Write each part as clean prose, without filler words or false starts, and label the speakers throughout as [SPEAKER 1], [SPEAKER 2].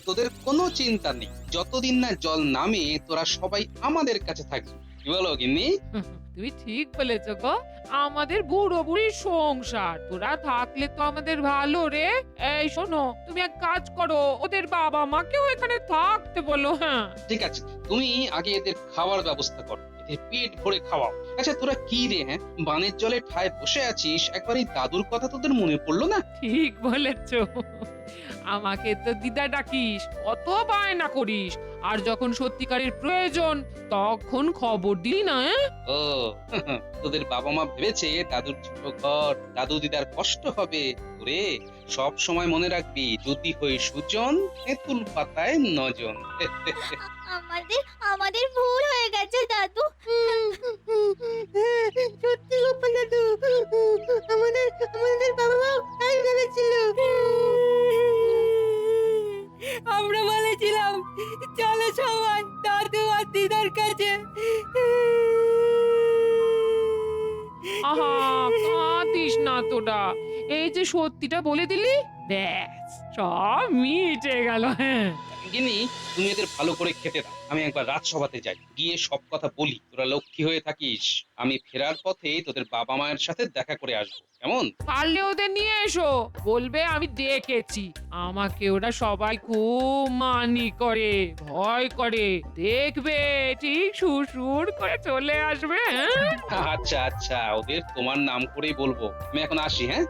[SPEAKER 1] তোদের কোনো চিন্তা নেই, যতদিন না জল নামে তোরা সবাই আমাদের কাছে থাকবি। কি বলো গিন্নি?
[SPEAKER 2] তুমি ঠিক বলেছ গো। আমাদের বুড়ো বুড়ির সংসার, তোরা থাকলে তো আমাদের ভালো রে। এই শোনো, তুমি এক কাজ করো, ওদের বাবা মাকেও এখানে থাকতে বলো। হ্যাঁ,
[SPEAKER 1] ঠিক আছে, তুমি আগে এদের খাওয়ার ব্যবস্থা করো, এদের পেট ভরে খাওয়াও। আচ্ছা তোরা কি রে, হ্যাঁ বানের জলে ঠায় বসে আছিস, একবার এই দাদুর কথা তোদের মনে পড়লো না?
[SPEAKER 2] ঠিক বলেছ। আমাকে তো দিদা ডাকিস, কত বায়না করিস, আর যখন সত্যিকারের প্রয়োজন তখন খবর দিলি না।
[SPEAKER 1] ও তোদের বাবা মা ভেবেছে দাদুর ছোট ঘর, দাদু দিদার কষ্ট হবে। ওরে সব সময় মনে রাখবি, যদি হই সুজন, তেঁতুল পাতায় নজন।
[SPEAKER 3] আমাদের আমাদের ভুল হয়ে গেছে দাদু।
[SPEAKER 4] সত্যি গোপাল দাদু, আমাদের আমাদের বাবা মা তাই ভেবেছিল। আমরা বলেছিলাম চলো সবাই দাদু আর দিদার কাছে।
[SPEAKER 2] আহা, কাঁদিস না তোরা, এই যে সত্যিটা বলে দিলি, ব্যাস সব মিটে গেল। হ্যাঁ,
[SPEAKER 1] গিনি তুমি এদের ভালো করে খেতে দাও, আমি একবার রাজসভাতে যাই, গিয়ে সব কথা বলি। তোরা লক্ষ্মী হয়ে থাকিস, আমি ফেরার পথে তোদের বাবা মায়ের সাথে দেখা করে আসবো, কেমন?
[SPEAKER 2] পারলে ওদের নিয়ে এসো, বলবে আমি দেখেছি। আমাকে ওরা সবাই খুব মানি করে, ভয় করে, দেখবে ঠিক সুর করে চলে আসবে। হ্যাঁ,
[SPEAKER 1] আচ্ছা আচ্ছা, ওদের তোমার নাম করেই বলবো। আমি এখন আসি, হ্যাঁ।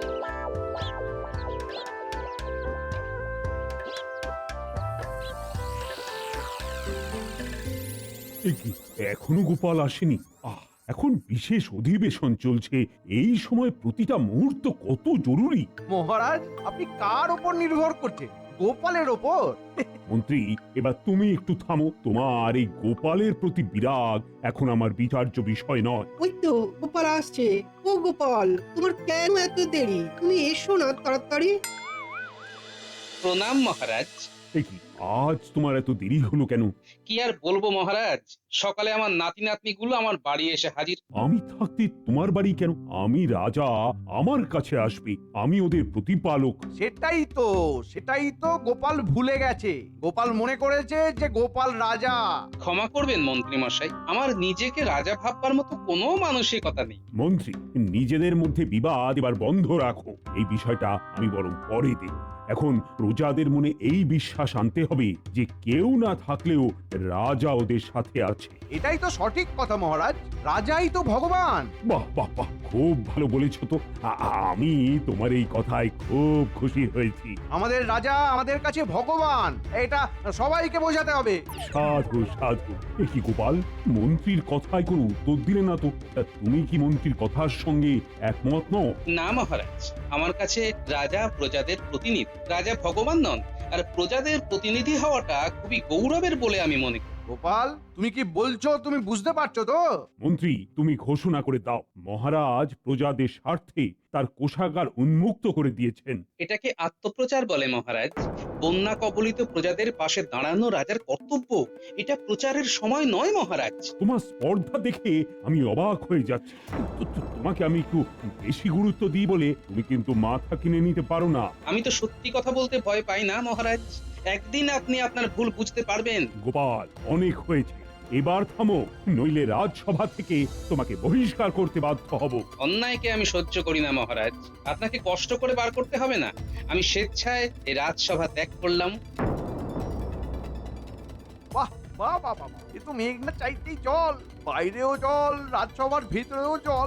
[SPEAKER 5] এ কি, এখনো গোপাল আসেনি? এখন বিশেষ অধিবেশন চলছে, এই সময় প্রতিটা মুহূর্ত কত জরুরি।
[SPEAKER 6] মহারাজ, আপনি কার ওপর নির্ভর করছেন? গোপালের ওপর?
[SPEAKER 5] মন্ত্রী, এবার তুমি একটু থামো। তোমার এই গোপালের প্রতি বিরাগ এখন আমার বিচার্য বিষয় নয়।
[SPEAKER 4] ওই তো গোপাল আসছে। ও গোপাল, তোমার কেন এত দেরি? তুমি এসো না তাড়াতাড়ি।
[SPEAKER 1] প্রণাম মহারাজ।
[SPEAKER 5] এ কি, আজ তোমার এত দেরি হলো কেন?
[SPEAKER 1] কি আর বলবো মহারাজ, সকালে আমার নাতি নাতনি গুলো আমার বাড়ি এসে হাজির।
[SPEAKER 5] আমি থাকতে তোমার বাড়ি কেন? আমি রাজা, আমার কাছে আসবে, আমি ওদের প্রতিপালক।
[SPEAKER 6] সেটাই তো গোপাল ভুলে গেছে। গোপাল মনে করেছে যে গোপাল রাজা।
[SPEAKER 1] ক্ষমা করবেন মন্ত্রী মশাই, আমার নিজেকে রাজা ভাববার মতো কোনো মানসিকতা নেই।
[SPEAKER 5] মন্ত্রী, নিজেদের মধ্যে বিবাদ এবার বন্ধ রাখো। এই বিষয়টা আমি বরং পরে দেখব। এখন প্রজাদের মনে এই বিশ্বাস আনতে হবে যে কেউ না থাকলেও রাজা ওদের সাথে আছে।
[SPEAKER 6] এটাই তো সঠিক কথা মহারাজ, রাজাই তো ভগবান।
[SPEAKER 5] বাহ বাহ বাহ, খুব ভালো বলেছ তো। আমি তোমার এই কথায় খুব খুশি হয়েছি।
[SPEAKER 6] আমাদের রাজা আমাদের কাছে ভগবান, এটা সবাইকে বোঝাতে হবে।
[SPEAKER 5] সাধু সাধু। এ কি গোপাল, মন্ত্রীর কথায় কোনো উত্তর দিলে না তো? তুমি কি মন্ত্রীর কথার সঙ্গে একমত নও?
[SPEAKER 1] না মহারাজ, আমার কাছে রাজা প্রজাদের প্রতিনিধি, রাজা ভগবান নন। আর প্রজাদের প্রতিনিধি হওয়াটা খুবই গৌরবের বলে আমি মনে করি।
[SPEAKER 6] গোপাল, তুমি কি বলছো তুমি বুঝতে পারছো তো?
[SPEAKER 5] মন্ত্রী, তুমি ঘোষণা করে দাও, মহারাজ প্রজাদের স্বার্থে তার কোষাগার উন্মুক্ত করে দিয়েছেন।
[SPEAKER 1] এটাকে আত্মপ্রচার বলে মহারাজ। বন্যা কবলিত প্রজাদের পাশে দাঁড়ানো রাজার কর্তব্য, এটা প্রচারের সময় নয় মহারাজ।
[SPEAKER 5] তোমার স্পর্ধা দেখে আমি অবাক হয়ে যাচ্ছি। তোমাকে আমি একটু বেশি গুরুত্ব দিই বলে তুমি কিন্তু মাথা কিনে নিতে পারো না।
[SPEAKER 1] আমি তো সত্যি কথা বলতে ভয় পাই না মহারাজ, একদিন আপনি আপনার ভুল বুঝতে পারবেন।
[SPEAKER 5] গোপাল, অনেক হয়েছে, এবার থামো, নইলে রাজসভা থেকে তোমাকে বহিষ্কার করতে বাধ্য হব।
[SPEAKER 1] অন্যায়কে আমি সহ্য করি না মহারাজ, আপনাকে কষ্ট করে বার করতে হবে না। আমি স্বেচ্ছায় এই রাজসভা ত্যাগ করলাম।
[SPEAKER 6] বাহ বাহ বাহ বাহ, এ তো মেঘ না চাইতেই জল, বাইরেও জল, রাজসভার ভিতরেও জল।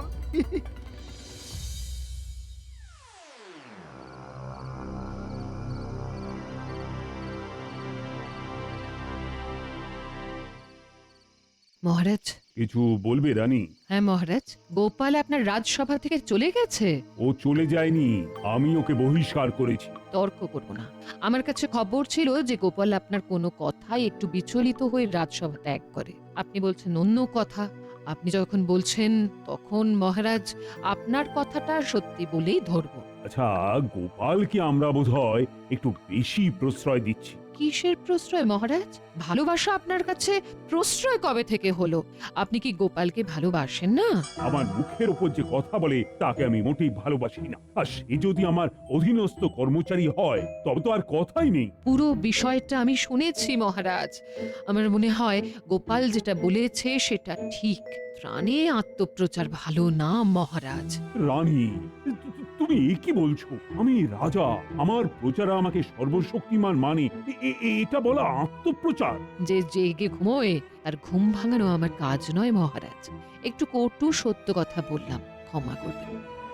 [SPEAKER 2] মহারাজ।
[SPEAKER 5] কিছু বলবে রানী?
[SPEAKER 2] হ্যাঁ মহারাজ, গোপাল আপনার রাজসভা থেকে চলে গেছে।
[SPEAKER 5] ও চলে যায়নি, আমি ওকে বহিষ্কার করেছি।
[SPEAKER 2] তর্ক করব না, আমার কাছে খবর ছিল যে গোপাল আপনার কোনো কথায় একটু বিচলিত হয়ে রাজসভা ত্যাগ করে। আপনি বলছেন অন্য কথা। আপনি যখন বলছেন তখন মহারাজ আপনার কথাটা সত্যি বলেই ধরব।
[SPEAKER 5] আচ্ছা, গোপালকে আমরা বোধহয় একটু বেশি প্রশ্রয় দিচ্ছি।
[SPEAKER 2] কিসের প্রশ্রয় মহারাজ? ভালোবাসা আপনার কাছে প্রশ্রয় কবে থেকে হলো? আপনি কি গোপালকে ভালোবাসেন না?
[SPEAKER 5] আমার মুখের ওপর যে কথা বলে তাকে আমি মোটেই ভালোবাসি না, আর সে যদি আমার অধীনস্থ কর্মচারী হয় তবে তো আর কথাই নেই।
[SPEAKER 2] পুরো বিষয়টা আমি শুনেছি মহারাজ। আমার মনে হয় গোপাল যেটা বলেছে সেটা ঠিক। প্রাণে আত্মপ্রচার ভালো না মহারাজ।
[SPEAKER 5] রানী, তুমি কি বলছো? আমি রাজা, আমার প্রজারা আমাকে সর্বশক্তিমান মানে এটা বলা আত্মপ্রচার?
[SPEAKER 2] যে জেগে ঘুমোয় তার ঘুম ভাঙানো আমার কাজ নয় মহারাজ। একটু কটু সত্য কথা বললাম, ক্ষমা করবেন।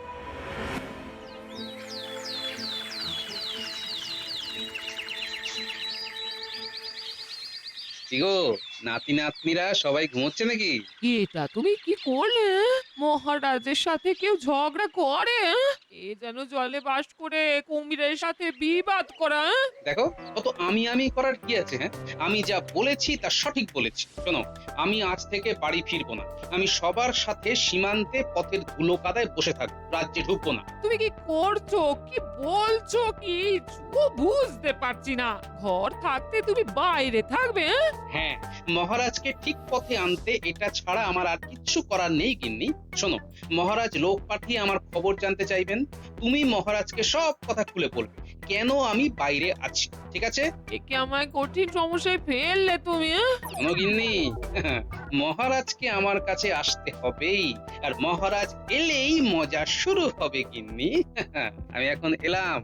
[SPEAKER 1] কি গো, নাতি নাতনিরা সবাই ঘুমোচ্ছে নাকি?
[SPEAKER 2] এটা তুমি কি করলে? মহারাজের সাথে কেউ ঝগড়া করে? এ যেন জলে বাস করে কুমিরের সাথে বিবাদ করা।
[SPEAKER 1] দেখো, কত আমি করার কি আছে? হ্যাঁ, আমি যা বলেছি তা সঠিক বলেছি। শোনো, আমি আজ থেকে বাড়ি ফিরবো না। আমি সবার সাথে সীমান্তে পথের ধুলো কাদায় বসে থাকবো, রাজ্যে ঢুকবো না।
[SPEAKER 2] তুমি কি করছো, কি বলছো, কি বুঝতে পারছি না। ঘর থাকতে তুমি বাইরে থাকবে?
[SPEAKER 1] হ্যাঁ, মহারাজকে ঠিক পথে আনতে এটা ছাড়া আমার আর কিচ্ছু করার নেই গিন্নি। শোনো, মহারাজ লোক পাঠিয়ে আমার খবর জানতে চাইবেন। তুমি মহারাজকে সব কথা খুলে বলবে কেন আমি বাইরে আছি, ঠিক আছে?
[SPEAKER 2] একে আমায় কঠিন সমস্যায় ফেললে তুমি।
[SPEAKER 1] শোনো গিন্নি, মহারাজকে আমার কাছে আসতে হবেই, আর মহারাজ এলেই মজা শুরু হবে গিন্নি। আমি এখন এলাম।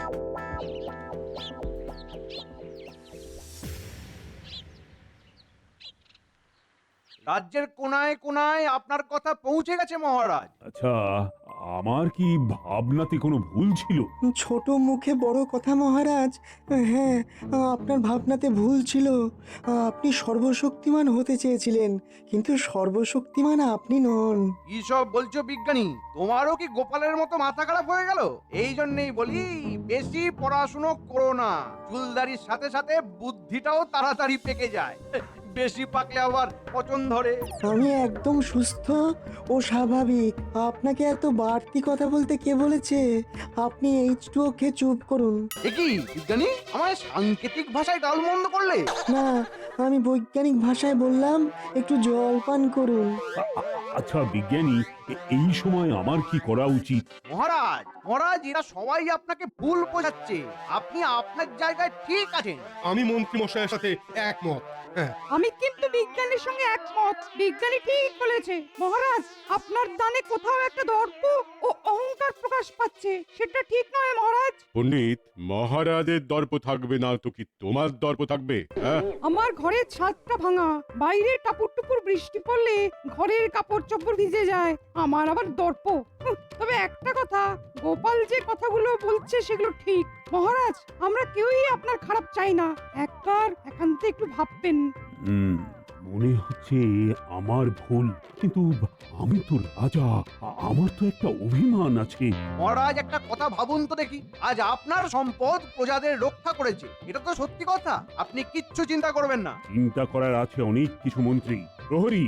[SPEAKER 6] রাজ্যের কোনায় কোনায় আপনার কথা পৌঁছে গেছে মহারাজ।
[SPEAKER 5] আচ্ছা, আমার কি ভাবনাতে কোনো ভুল ছিল?
[SPEAKER 7] ছোট মুখে বড় কথা মহারাজ। হ্যাঁ, আপনার ভাবনাতে ভুল ছিল। আপনি সর্বশক্তিমান হতে চেয়েছিলেন, কিন্তু সর্বশক্তিমান আপনি নন।
[SPEAKER 6] কি সব বলছো বিজ্ঞানী? তোমারও কি গোপালের মতো মাথা খারাপ হয়ে গেল? এই জন্যই বলি, বেশি পড়াশুনো করো না। চুলদারির সাথে সাথে বুদ্ধিটাও তাড়াতাড়ি পেকে যায়। বেশি পাকলে আবার পচন ধরে।
[SPEAKER 7] আমি একদম সুস্থ ও স্বাভাবিক। আপনাকে এত বাড়তি কথা বলতে কে বলেছে? আপনি H2O খেয়ে চুপ করুন।
[SPEAKER 6] এ কি বিজ্ঞানী, আমায় সাংকেতিক ভাষায় গালমন্দ করলে?
[SPEAKER 7] না, আমি বৈজ্ঞানিক ভাষায় বললাম একটু জল পান করুন।
[SPEAKER 5] আচ্ছা বিজ্ঞানী, এই সময় আমার কি করা উচিত?
[SPEAKER 6] মহারাজ মহারাজ, এরা সবাই আপনাকে ভুল বোঝাচ্ছে। আপনি আপনার জায়গায় ঠিক আছেন।
[SPEAKER 8] আমি মন্ত্রী মশাইয়ের সাথে একমত।
[SPEAKER 9] আমি কিন্তু বিজ্ঞানীর সঙ্গে একমত। বিজ্ঞানী ঠিক বলেছে মহারাজ, আপনার দানে কোথাও একটা দর্প ও অহংকার প্রকাশ পাচ্ছে। সেটা ঠিক নয় মহারাজ।
[SPEAKER 8] পণ্ডিত, মহারাজের দর্প থাকবে না তো কি তোমার দর্প থাকবে? হ্যাঁ,
[SPEAKER 9] আমার ঘরের ছাদটা ভাঙা, বাইরে টাপুর টুপুর বৃষ্টি পড়লে ঘরের কাপড় চোপড় ভিজে যায়, আমার আবার দর্প। তবে একটা কথা, গোপাল যে কথাগুলো বলছে সেগুলো ঠিক। মহারাজ, আমরা কেউই আপনার খারাপ চাই না। একবার একান্তে একটু ভাববেন।
[SPEAKER 5] মনে হচ্ছে আমার ভুল, কিন্তু আমি তো রাজা, আমার তো একটা অভিমান আছে।
[SPEAKER 6] মহারাজ, একটা কথা ভাবুন তো দেখি। আজ আপনার সম্পদ প্রজাদের রক্ষা করেছে, এটা তো সত্যি কথা। আপনি কিচ্ছু চিন্তা করবেন না।
[SPEAKER 5] চিন্তা করার আছে অনেক কিছু মন্ত্রী। প্রহরী,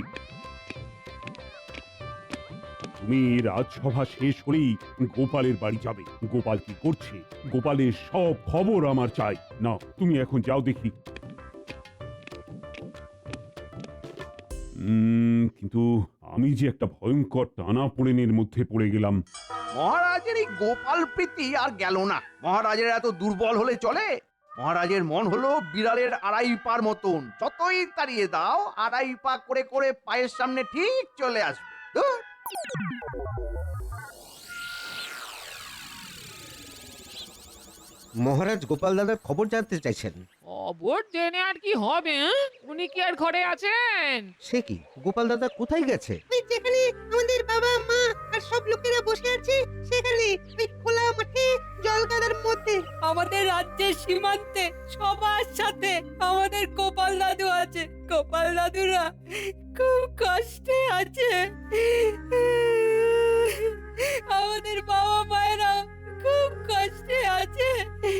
[SPEAKER 5] তুমি রাজসভা শেষ হলেই গোপালের বাড়ি যাবে। গোপাল কি করছে, গোপালের সব খবর আমার চাই। না, তুমি এখন যাও দেখি। কিন্তু আমি যে একটা ভয়ঙ্কর টানাপোড়েনের মধ্যে পড়ে গেলাম।
[SPEAKER 6] মহারাজের এই গোপাল প্রীতি আর গেল না। মহারাজের এত দুর্বল হলে চলে? মহারাজের মন হলো বিড়ালের আড়াই পার মতন। যতই তাড়িয়ে দাও, আড়াই পা করে করে পায়ের সামনে ঠিক চলে আসবে। ধুর।
[SPEAKER 10] মহারাজ গোপাল দাদার খবর জানতে চাইছেন।
[SPEAKER 2] খবর জেনে আর কি হবে? উনি কি আর ঘরে আছেন?
[SPEAKER 10] সে কি, গোপাল দাদা কোথায় গেছে?
[SPEAKER 4] ওই যেখানে আমাদের বাবা মা আর সব লোকেরা বসে আছে সেখানে, ওই খোলা মাঠে জল কাদার মধ্যে।
[SPEAKER 11] আমাদের রাজ্যের সীমান্তে সবার সাথে আমাদের গোপাল দাদু আছে। গোপাল দাদুরা খুব কষ্টে আছে। আমাদের বাবা মায়েরা খুব কষ্টে আছে।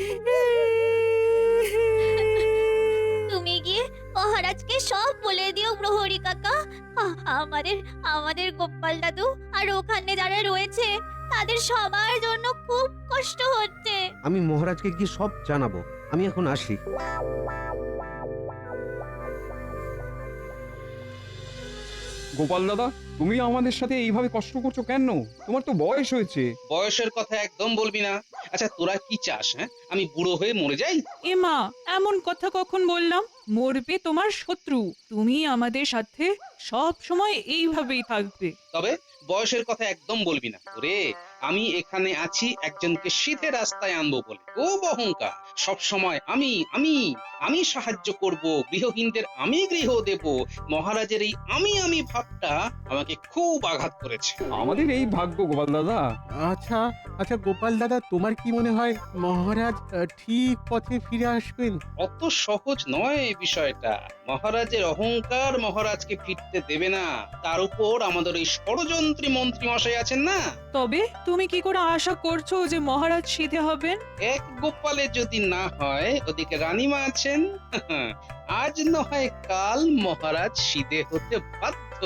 [SPEAKER 3] তুমি গিয়ে মহারাজকে সব বলে দিও প্রহরী কাকা। আমাদের আমাদের গোপাল দাদু আর ওখানে যারা রয়েছে তাদের সবার জন্য খুব কষ্ট হচ্ছে।
[SPEAKER 10] আমি মহারাজকে গিয়ে সব জানাবো। আমি এখন আসি।
[SPEAKER 12] গোপাল দাদা, তুমি আমাদের সাথে এইভাবে কষ্ট করছো কেন? তোমার তো বয়স হয়েছে।
[SPEAKER 1] বয়সের কথা একদম বলবি না। আচ্ছা তোরা কি চাস? হ্যাঁ, আমি বুড়ো হয়ে মরে যাই?
[SPEAKER 11] এমা, এমন কথা কখন বললাম? মরবে তোমার শত্রু, তুমি আমাদের সাথে সব সময় এইভাবেই থাকবে।
[SPEAKER 1] তবে বয়সের কথা একদম বলবি না। ওরে, আমি এখানে আছি একজনকে সিধে রাস্তায় আনবো বলে। খুব অহংকার, সব সময় আমি আমি আমি সাহায্য করব, গৃহহীনদের আমি গৃহ দেব। মহারাজের এই আমি আমি ভাবটা আমাকে খুব আঘাত করেছে।
[SPEAKER 12] আমাদের এই ভাগ্য গোপাল দাদা।
[SPEAKER 13] আচ্ছা আচ্ছা গোপাল দাদা, তোমার কি মনে হয় মহারাজ ঠিক পথে ফিরে আসবেন?
[SPEAKER 1] অত সহজ নয় এই বিষয়টা। মহারাজের অহংকার মহারাজকে ফিরতে দেবে না। তার উপর আমাদের এই ষড়যন্ত্রী মন্ত্রী মশাই আছেন না।
[SPEAKER 11] তবে তুমি কি করে আশা করছো যে মহারাজ সিধে হবেন?
[SPEAKER 1] এক গোপালে যদি না হয়, ওদিকে রানীমা আছেন। আজ না হয় কাল মহারাজ সিধে হতে বাধ্য।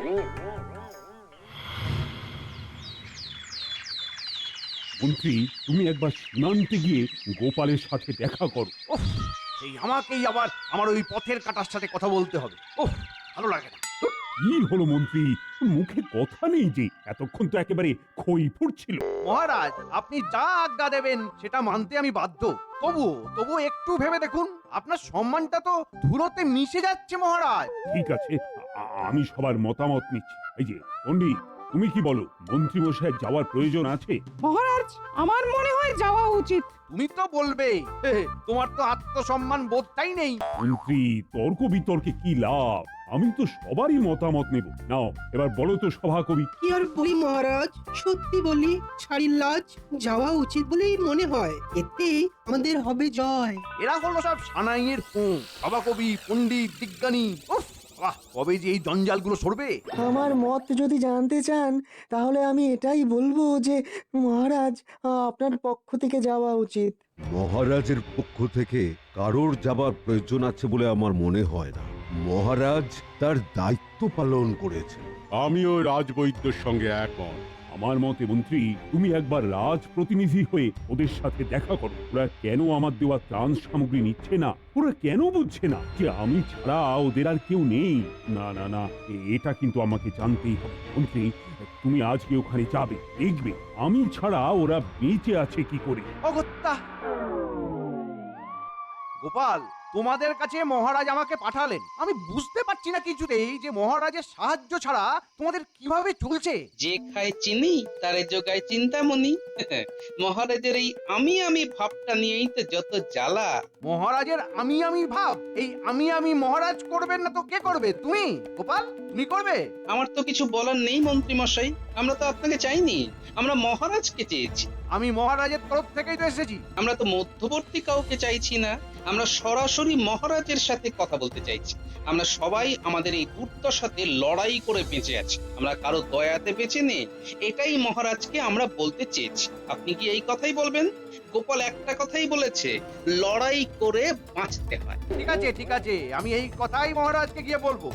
[SPEAKER 5] মন্ত্রী, তুমি একবার সীমান্তে গিয়ে গোপালের সাথে দেখা করো।
[SPEAKER 6] এই আমাকেই আবার আমার ওই পথের কাটার সাথে কথা বলতে হবে। ওহ, ভালো লাগে না।
[SPEAKER 5] কি হলো মন্ত্রী, মুখে কথা নেই যে? এতক্ষণ তো একেবারে খই ফুটছিল।
[SPEAKER 6] মহারাজ, আপনি যা আজ্ঞা দেবেন সেটা মানতে আমি বাধ্য। তবু একটু ভেবে দেখুন, আপনার সম্মানটা তো ধুলোতে মিশে যাচ্ছে মহারাজ।
[SPEAKER 5] ঠিক আছে, আমি সবার মতামত নিচ্ছি। এই যে পণ্ডিত, তুমি কি বলো? মন্ত্রী মশাই যাওয়ার প্রয়োজন আছে?
[SPEAKER 9] মহারাজ, আমার মনে হয় যাওয়া উচিত।
[SPEAKER 6] তুমি তো বলবে, তোমার তো আত্মসম্মান বোধটাই নেই।
[SPEAKER 5] মন্ত্রী, তর্ক বিতর্কে কি লাভ? আমি তো সবারই মতামত নেব। নাও এবার বলো তো সভাকবি।
[SPEAKER 4] কি আর বলি মহারাজ, সত্যি বলি, ছাড়ির লাজ যাওয়া উচিত বলেই মনে হয়। এতে আমাদের হবে জয়।
[SPEAKER 6] এরা হলো সব সানাইয়ের সভাকবি, পণ্ডিত, বিজ্ঞানী। উফ, বাহ, কবে যে এই জঞ্জালগুলো সরবে।
[SPEAKER 7] আমার মত যদি জানতে চান তাহলে আমি এটাই বলবো যে মহারাজ, আপনার পক্ষ থেকে যাওয়া উচিত।
[SPEAKER 8] মহারাজের পক্ষ থেকে কারোর যাবার প্রয়োজন আছে বলে আমার মনে হয় না। মহারাজ তার দায়িত্ব পালন করেছেন। আমিও রাজবৈদ্যর সঙ্গে একমত।
[SPEAKER 5] আমার মতে মন্ত্রী, তুমি একবার রাজ প্রতিনিধি হয়ে ওদের সাথে দেখা করো। ওরা কেন আমার দেওয়া ত্রাণ সামগ্রী নিচ্ছে না? ওরা কেন বুঝছে না যে আমি ছাড়া ওদের আর কেউ নেই? না না না, এটা কিন্তু আমাকে জানতেই হবে। মন্ত্রী, তুমি আজকে ওখানে যাবে, দেখবে আমি ছাড়া ওরা বেঁচে আছে কি করে।
[SPEAKER 6] অগত্যা গোপাল, তোমাদের কাছে মহারাজ আমাকে পাঠালেন। আমি বুঝতে পারছি না কিছুতেই যে মহারাজের সাহায্য ছাড়া তোমাদের কিভাবে চলছে।
[SPEAKER 1] যে খায় চিনি তারে যোগায় চিন্তামণি। মহারাজের এই আমি আমি ভাবটা নিয়েই তো যত জ্বালা।
[SPEAKER 6] মহারাজের আমি আমি ভাব, এই আমি মহারাজ করবেন না তো কে করবে? তুমি গোপাল, তুমি করবে?
[SPEAKER 1] আমার তো কিছু বলার নেই মন্ত্রী মশাই। আমরা তো আপনাকে চাইনি, আমরা মহারাজকে চেয়েছি।
[SPEAKER 6] আমি মহারাজের তরফ থেকেই তো এসেছি।
[SPEAKER 1] আমরা তো মধ্যবর্তী কাউকে চাইছি না, আমরা সরাসরি মহারাজের সাথে কথা বলতে চাইছি। আমরা সবাই আমাদের এই দুর্দশাতে লড়াই করে বেঁচে আছি, আমরা কারো দয়াতে বেঁচে নেই। এটাই মহারাজকে আমরা বলতে চেয়েছি। আপনি কি এই কথাই বলবেন? গোপাল একটা কথাই বলেছে, লড়াই করে বাঁচতে হয়।
[SPEAKER 6] ঠিক আছে, আমি এই কথাই মহারাজকে গিয়ে বলবো।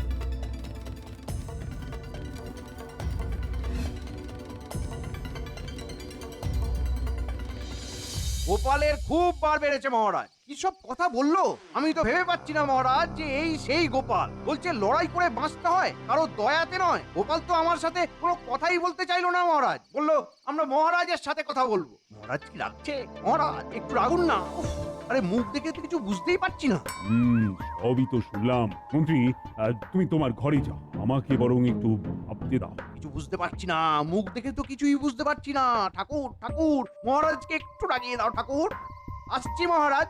[SPEAKER 6] গোপালের খুব বার বেড়েছে মহারাজ। কি সব কথা বললো আমি তো ভেবে পাচ্ছি না মহারাজ যে এই সেই গোপাল। বলছে লড়াই করে বাঁচতে হয়, কারো দয়াতে নয়। গোপাল তো আমার সাথে কোনো কথাই বলতে চাইলো না মহারাজ। বললো আমরা মহারাজের সাথে কথা বলবো। মহারাজ কি রাখছে? মহারাজ একটু রাগুন না। আরে মুখ দেখে তো কিছু বুঝতেই পারছি না।
[SPEAKER 5] সবই তো শুনলাম। মন্ত্রী, তুমি তোমার ঘরে যাও, আমাকে বরং একটু ভাবতে দাও।
[SPEAKER 6] কিছু বুঝতে পারছি না, মুখ দেখে তো কিছুই বুঝতে পারছি না। ঠাকুর, মহারাজকে একটু রাগিয়ে দাও ঠাকুর। আসছি মহারাজ।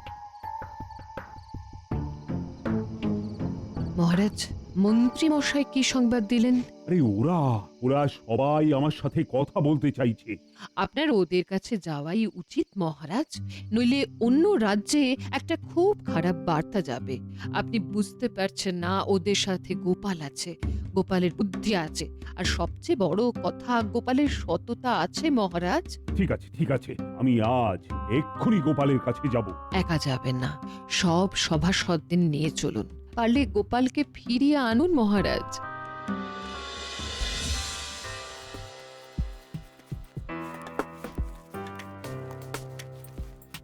[SPEAKER 14] মহারাজ, মন্ত্রী মশাই কি সংবাদ দিলেন?
[SPEAKER 5] আরে ওরা সবাই আমার সাথে কথা বলতে চাইছে।
[SPEAKER 14] আপনার ওদের কাছে যাওয়াই উচিত মহারাজ, নইলে অন্য রাজ্যে একটা খুব খারাপ বার্তা যাবে। আপনি বুঝতে পারছেন না, ওদের সাথে গোপাল আছে, গোপালের বুদ্ধি আছে, আর সবচেয়ে বড় কথা গোপালের সততা আছে মহারাজ।
[SPEAKER 5] ঠিক আছে, আমি আজ এক্ষুনি গোপালের কাছে যাব।
[SPEAKER 14] একা যাবেন না, সব সভাসদদের নিয়ে চলুন। পারলে গোপালকে ফিরিয়ে আনুন মহারাজ।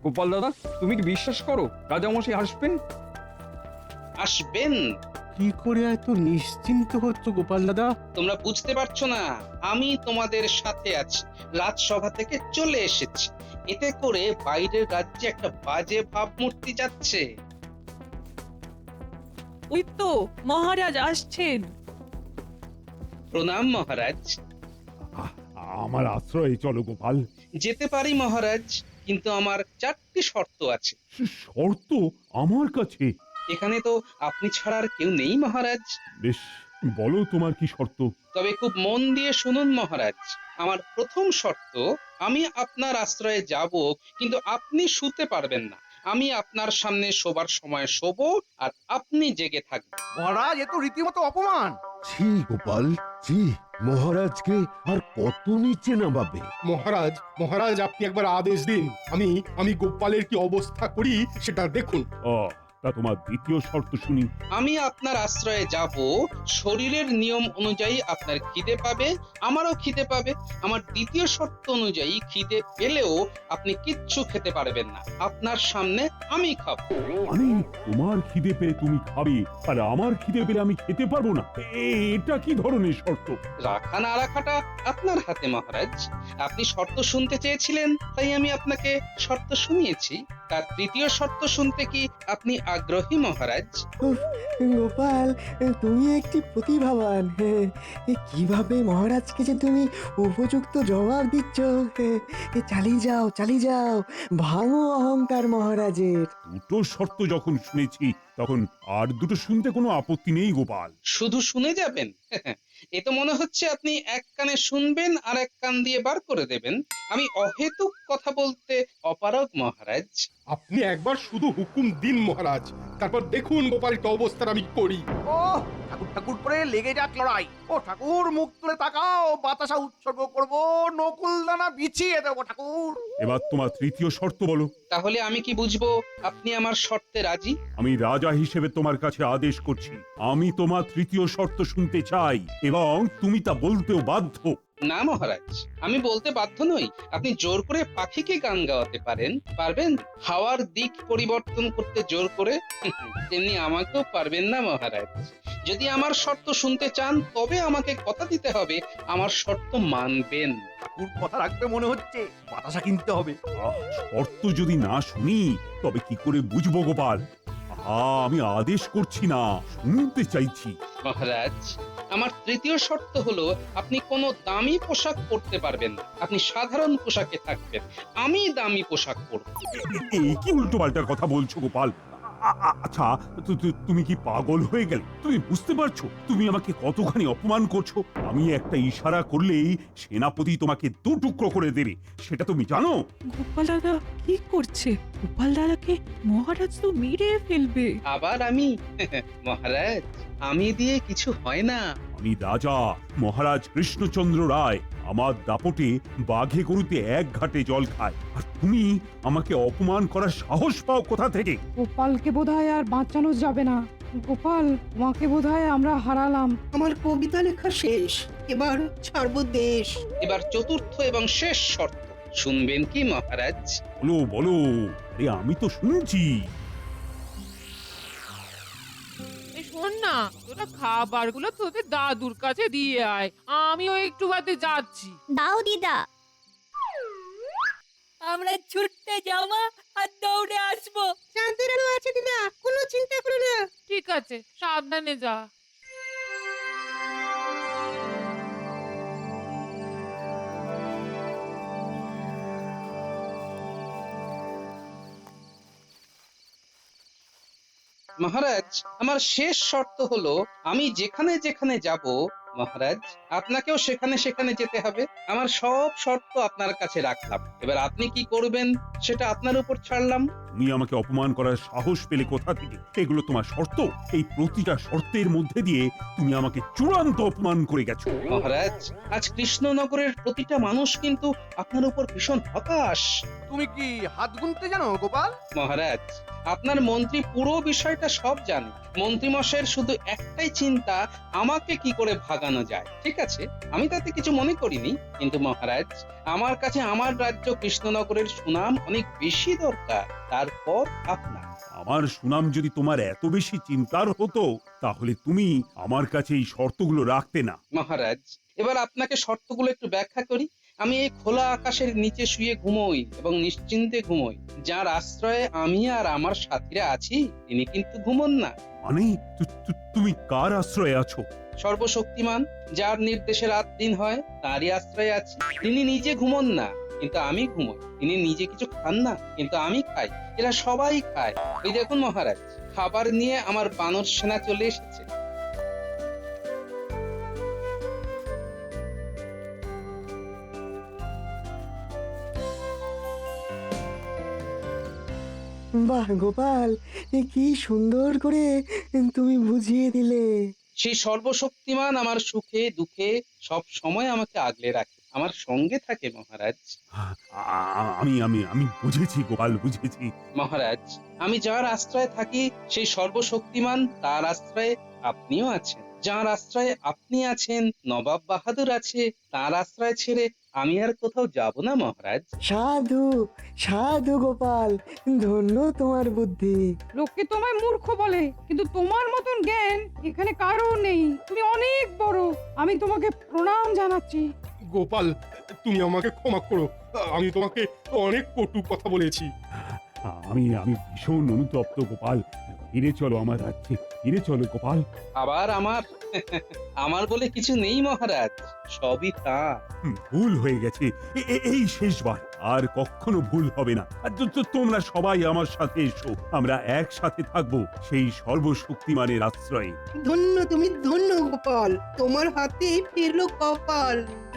[SPEAKER 12] গোপাল দাদা, তুমি কি বিশ্বাস করো রাজামশাই আসবেন?
[SPEAKER 1] আসবেন?
[SPEAKER 13] কি করে এত নিশ্চিন্ত হচ্ছ গোপাল দাদা?
[SPEAKER 1] তোমরা বুঝতে পারছো না, আমি তোমাদের সাথে আছি, রাজসভা থেকে চলে এসেছি। এতে করে বাইরের রাজ্যে একটা বাজে ভাবমূর্তি যাচ্ছে।
[SPEAKER 11] ওই তো মহারাজ আসছেন।
[SPEAKER 1] প্রণাম মহারাজ।
[SPEAKER 5] আমার আশ্রয়ে চলো গোপাল।
[SPEAKER 1] যেতে পারি মহারাজ, কিন্তু আমার 4টি শর্ত আছে।
[SPEAKER 5] শর্ত আমার কাছে?
[SPEAKER 1] এখানে তো আপনি ছাড়া আর কেউ নেই মহারাজ।
[SPEAKER 5] বেশ, বলো তোমার কি শর্ত?
[SPEAKER 1] তবে খুব মন দিয়ে শুনুন মহারাজ। আমার প্রথম শর্ত, আমি আপনার আশ্রয়ে যাব, কিন্তু আপনি শুতে পারবেন না। আমি আপনার সামনে শোবার সময় শোবো, আর আপনি জেগে থাকবেন।
[SPEAKER 6] মহারাজ, এ তো রীতিমতো অপমান।
[SPEAKER 8] ছি গোপাল, ছি। মহারাজকে আর কত নিচে নামাবে?
[SPEAKER 13] মহারাজ, মহারাজ আপনি একবার আদেশ দিন, আমি গোপালের কি অবস্থা করি সেটা দেখুন।
[SPEAKER 5] তা তোমার দ্বিতীয় শর্ত শুনি।
[SPEAKER 1] আমি আপনার আশ্রয়ে যাব, শরীরের নিয়ম অনুযায়ী আপনার খিদে পাবে, আমারও খিদে পাবে। আমার দ্বিতীয় শর্ত অনুযায়ী খিদে পেলেও আপনি কিচ্ছু খেতে পারবেন না, আপনার সামনে আমি খাবো।
[SPEAKER 5] মানে তোমার খিদে পেলে তুমি খাবে, আর আমার খিদে পেলে আমি খেতে পারবো না? এটা কি ধরনের শর্ত?
[SPEAKER 1] রাখা না রাখাটা আপনার হাতে মহারাজ। আপনি শর্ত শুনতে চেয়েছিলেন, তাই আমি আপনাকে শর্ত শুনিয়েছি। তার তৃতীয় শর্ত শুনতে কি আপনি আগ্রহী মহারাজ?
[SPEAKER 7] গোপাল, তুমি একটি প্রতিভাবান। কিভাবে মহারাজকে যে তুমি উপযুক্ত জবাব দিচ্ছ। চালিয়ে যাও, চালিয়ে যাও, ভাঙো অহংকার মহারাজের।
[SPEAKER 5] দুটো শর্ত যখন শুনেছি, তখন আর দুটো শুনতে কোনো আপত্তি নেই গোপাল।
[SPEAKER 1] শুধু শুনে যাবেন? এ তো মনে হচ্ছে আপনি এক কানে শুনবেন আর এক কান দিয়ে বার করে দেবেন। আমি অহেতুক কথা বলতে অপারগ মহারাজ।
[SPEAKER 13] আপনি একবার শুধু হুকুম দিন মহারাজ, তারপর দেখুন গোপাল কি অবস্থার আমি করি।
[SPEAKER 6] ও ঠাকুর ঠাকুর করে লেগে যাক লড়াই। ও ঠাকুর, মুখ তুলে তাকাও, বাতাসা উৎসর্গ করব, নকুল দানা বিছিয়ে দেবো ঠাকুর।
[SPEAKER 5] এবার তোমার তৃতীয় শর্ত বলো।
[SPEAKER 1] তাহলে আমি কি বুঝবো আপনি আমার শর্তে রাজি?
[SPEAKER 5] আমি রাজা হিসেবে তোমার কাছে আদেশ করছি, আমি তোমার তৃতীয় শর্ত শুনতে চাই, এবং তুমি তা বলতেও বাধ্য।
[SPEAKER 1] না মহারাজ, আমি বলতে বাধ্য নই। আপনি জোর করে পাখিকে গান গাওয়াতে পারবেন? হাওয়ার দিক পরিবর্তন করতে জোর করে? তেমনি আমাকেও পারবেন না মহারাজ। যদি আমার শর্ত শুনতে চান, তবে আমাকে কথা দিতে হবে আমার শর্ত মানবেন।
[SPEAKER 6] ঠাকুর কথা রাখবে মনে হচ্ছে, বাতাসা কিনতে হবে।
[SPEAKER 5] শর্ত যদি না শুনি, তবে কি করে বুঝবো গোপাল? আমি আদেশ করছি না, শুনতে চাইছি।
[SPEAKER 1] মহারাজ, আমার তৃতীয় শর্ত হলো আপনি কোনো দামি পোশাক পরতে পারবেন না, আপনি সাধারণ পোশাকে থাকবেন, আমি দামি পোশাক পরব।
[SPEAKER 5] এই কি উল্টো পাল্টার কথা বলছো গোপাল? আচ্ছা, তুমি কি পাগল হয়ে গেলে? তুমি বুঝতে পারছো তুমি আমাকে কতখানি অপমান করছো? আমি একটা ইশারা করলেই সেনাপতি তোমাকে দু টুকরো করে দেবে, সেটা তুমি জানো?
[SPEAKER 11] গোপাল দাদা কি করছে? গোপাল দাদাকে মহারাজ তো মেরে ফেলবে।
[SPEAKER 1] আবার আমি? মহারাজ, আমি দিয়ে কিছু হয় না।
[SPEAKER 5] আমি রাজা মহারাজ কৃষ্ণচন্দ্র রায়। আমার দাপটে বাঘে গরুতে এক ঘাটে জল খায়, আর তুমি আমাকে অপমান করার সাহস পাও কোথা থেকে?
[SPEAKER 9] গোপালকে বোধহয় আর বাঁচানো যাবে না। গোপাল, তোমাকে বোধহয় আমরা হারালাম।
[SPEAKER 4] আমার কবিতা লেখা শেষ, এবার ছাড়বো দেশ।
[SPEAKER 1] এবার চতুর্থ এবং শেষ শর্ত শুনবেন কি মহারাজ?
[SPEAKER 5] বলো বলো, আরে আমি তো শুনছি।
[SPEAKER 2] শোন না, তোরা খাবারগুলো তোদের দাদুর কাছে দিয়ে আয়, আমিও একটু বাদে যাচ্ছি।
[SPEAKER 3] দাও দিদা।
[SPEAKER 11] আমরা ছুটতে যাওয়া আর দৌড়ে আসবো।
[SPEAKER 4] চাঁদের আলো আছে দিদা, কোনো চিন্তা করো না।
[SPEAKER 2] ঠিক আছে, সাবধানে যা।
[SPEAKER 1] মহারাজ, আমার শেষ শর্ত হলো আমি যেখানে যেখানে যাব মহারাজ, আপনাকেও সেখানে সেখানে যেতে হবে। আমার সব শর্ত আপনার কাছে রাখলাম, এবার আপনি কি করবেন সেটা আপনার উপর ছাড়লাম।
[SPEAKER 5] তুমি আমাকে অপমান করার সাহস পেলে কোথা থেকে? এগুলো তোমার শর্ত? এই প্রতিটা শর্তের মধ্যে দিয়ে তুমি আমাকে চূড়ান্ত অপমান করে গেছো।
[SPEAKER 1] মহারাজ, আজ কৃষ্ণনগরের প্রতিটা মানুষ কিন্তু আপনার উপর ভীষণ হতাশ।
[SPEAKER 6] তুমি কি হাত গুনতে জানো গোপাল?
[SPEAKER 1] মহারাজ, আপনার মন্ত্রী পুরো বিষয়টা সব জানে। মন্ত্রী মশাইয়ের শুধু একটাই চিন্তা, আমাকে কি করে ভাগানো যায়। ঠিক আছে, আমি তাতে কিছু মনে করিনি, কিন্তু মহারাজ আমার কাছে আমার রাজ্য কৃষ্ণনগরের সুনাম অনেক বেশি দরকার, তারপর আপনার।
[SPEAKER 5] আমার সুনাম যদি তোমার এত বেশি চিন্তার হতো তাহলে তুমি আমার কাছে এই শর্তগুলো রাখতে না।
[SPEAKER 1] মহারাজ, এবার আপনাকে শর্তগুলো একটু ব্যাখ্যা করি। আমি এই খোলা আকাশের নিচে শুয়ে ঘুমোই এবং নিশ্চিন্তে ঘুমোই। যার আশ্রয়ে আমি আর আমার সাথীরা আছি তিনি কিন্তু ঘুমোন না।
[SPEAKER 5] মানে তুমি কার আশ্রয়ে আছো?
[SPEAKER 1] সর্বশক্তিমান যার নির্দেশে রাত দিন হয় তারই আশ্রয়ে আছি। তিনি নিজে ঘুমোন না কিন্তু আমি ঘুমোই। তিনি নিজে কিছু খান না কিন্তু আমি খাই। এরা সবাই খায়। ওই দেখুন মহারাজ, খাবার নিয়ে আমার বানর সেনা চলে এসেছে।
[SPEAKER 7] বাহ গোপাল, কি সুন্দর করে তুমি বুঝিয়ে দিলে।
[SPEAKER 1] সেই সর্বশক্তিমান আমার সুখে দুঃখে সব সময় আমাকে আগলে রাখে, আমার সঙ্গে থাকে মহারাজ।
[SPEAKER 5] আমি আমি আমি বুঝেছি গোপাল, বুঝেছি।
[SPEAKER 1] মহারাজ, আমি যার আশ্রয়ে থাকি সেই সর্বশক্তিমান তার আশ্রয়ে আপনিও আছেন। যার আশ্রয়ে আপনি আছেন, নবাব বাহাদুর আছে, তার আশ্রয় ছেড়ে আমি আর কোথাও যাব না মহারাজ।
[SPEAKER 7] সাধু সাধু গোপাল, ধন্য তোমার বুদ্ধি।
[SPEAKER 9] লোকে তোমায় মূর্খ বলে, কিন্তু তোমার মতন জ্ঞান এখানে কারো নেই। তুমি অনেক বড়, আমি তোমাকে প্রণাম জানাচ্ছি।
[SPEAKER 13] গোপাল, তুমি আমাকে ক্ষমা করো, আমি তোমাকে অনেক কটু কথা বলেছি।
[SPEAKER 5] আমি আমি ভীষণ অনুতপ্ত গোপাল। ফিরে চলো আমার রাজ্যে, ফিরে চলো গোপাল।
[SPEAKER 1] আবার আমার আমার বলে কিছু নেই মহারাজ, সবই তা।
[SPEAKER 5] ভুল হয়ে গেছে, এই শেষবার। আর কখনো ভুল হবে না। আর তোমরা সবাই আমার সাথে এসো, আমরা একসাথে থাকবো সেই সর্বশক্তিমানের আশ্রয়ে।
[SPEAKER 4] ধন্য তুমি, ধন্য গোপাল, তোমার হাতে ফিরলো কপাল।